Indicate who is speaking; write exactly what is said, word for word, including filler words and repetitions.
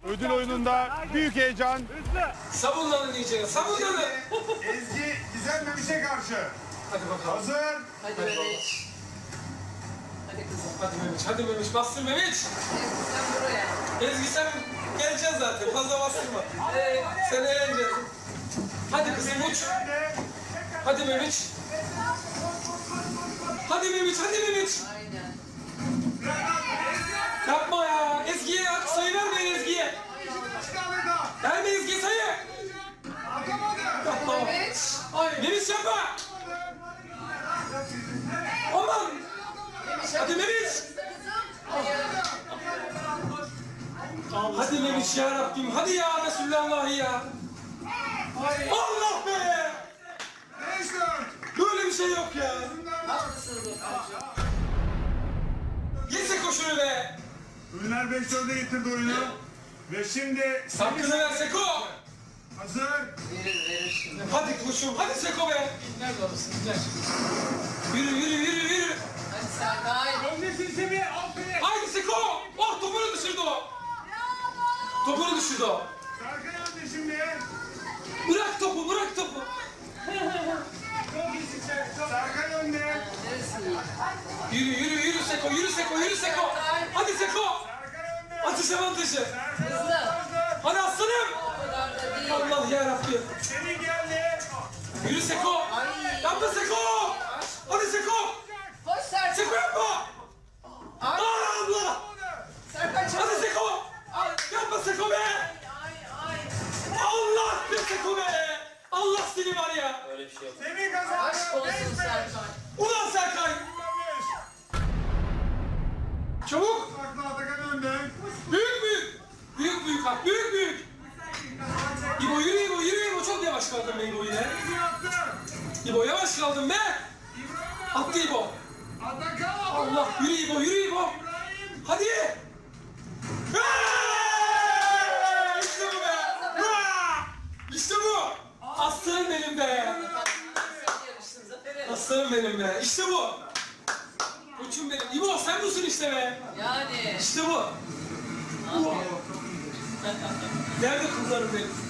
Speaker 1: Ödül oyununda büyük heyecan.
Speaker 2: Sabunlanın iyice. Sabunlanın.
Speaker 1: Ezgi Gizem Memiş'e karşı.
Speaker 2: Hadi bakalım.
Speaker 1: Hazır.
Speaker 3: Hadi Memiş. Hadi kızım.
Speaker 2: Hadi Memiş. Hadi Memiş. Bastır Memiş.
Speaker 3: Sen buraya.
Speaker 2: Ezgi sen geleceksin zaten. Fazla bastırma.
Speaker 3: Evet.
Speaker 2: Sen eğleneceksin. Hadi kızım uç. Hadi Memiş. Hadi Memiş. Hadi Memiş.
Speaker 3: Aynen.
Speaker 2: Yapma ya. Ezgi'ye at. Sayı vermeyin Ezgi'ye. Verme Ezgi'ye sayı. Yapma.
Speaker 3: Memiş.
Speaker 2: Memiş yapma. Aman.
Speaker 3: Memiş
Speaker 2: Hadi Memiş. Hadi Memiş ya Rabbim. Hadi ya Resulallah ya. Allah be. Böyle bir şey yok ya.
Speaker 3: Haklısınız hocam.
Speaker 2: Yese koşunu be.
Speaker 1: Ünler beş dörde getirdi oyunu. Ve şimdi
Speaker 2: Hakkını ver Seko.
Speaker 1: hazır.
Speaker 3: Verir verir şimdi.
Speaker 2: Hadi koşum. Hadi Seko be.
Speaker 4: Nerede alırsın? Gel.
Speaker 2: Yürü yürü yürü yürü.
Speaker 3: Hadi Serkay.
Speaker 2: Haydi Seko. Oh topunu düşürdü o. Topunu düşürdü o.
Speaker 1: Serkan önde şimdi.
Speaker 2: Bırak topu bırak topu.
Speaker 1: Serkan önde.
Speaker 3: Neresi iyi?
Speaker 2: Yürü yürü yürü Seko yürü Seko yürü Seko. Hadi Seko.
Speaker 1: Serkan önde.
Speaker 2: Atış avantajı.
Speaker 3: Hızlı.
Speaker 2: Hadi aslanım.
Speaker 3: O kadar da değil.
Speaker 2: Allah yarabbim.
Speaker 1: Semih geldi.
Speaker 2: Yürü Seko.
Speaker 3: Ay.
Speaker 2: Yapma Seko. Hadi Seko.
Speaker 3: Koş Serkay.
Speaker 2: Seko yapma.
Speaker 3: Ay.
Speaker 2: Allah.
Speaker 3: Serkay
Speaker 2: Hadi
Speaker 3: çabuk.
Speaker 2: Seko. Yapma Seko be.
Speaker 3: Ay ay.
Speaker 2: Allah be Seko be. Allah seni var ya.
Speaker 1: Semih kazandı.
Speaker 3: Aşk olsun Serkay.
Speaker 2: Ulan Serkay. Çabuk.
Speaker 1: Saklı Atakan önde.
Speaker 2: Büyük büyük. Büyük büyük bak büyük büyük. İbo yürü İbo yürü İbo çok yavaş kaldın be İbo yine.
Speaker 1: Attı.
Speaker 2: İbo yavaş kaldın be. Attı İbo.
Speaker 1: Atakan.
Speaker 2: Allah yürü İbo yürü İbo. Hadi. Hey! İşte bu be. Ha! İşte bu. Aslanım benim be.
Speaker 3: Yarıştın Zafer'e.
Speaker 2: Aslanım benim be. İşte bu. Koçum benim. İbo sen busun işte be.
Speaker 3: Yani.
Speaker 2: İşte bu. Nerede kızlarım benim?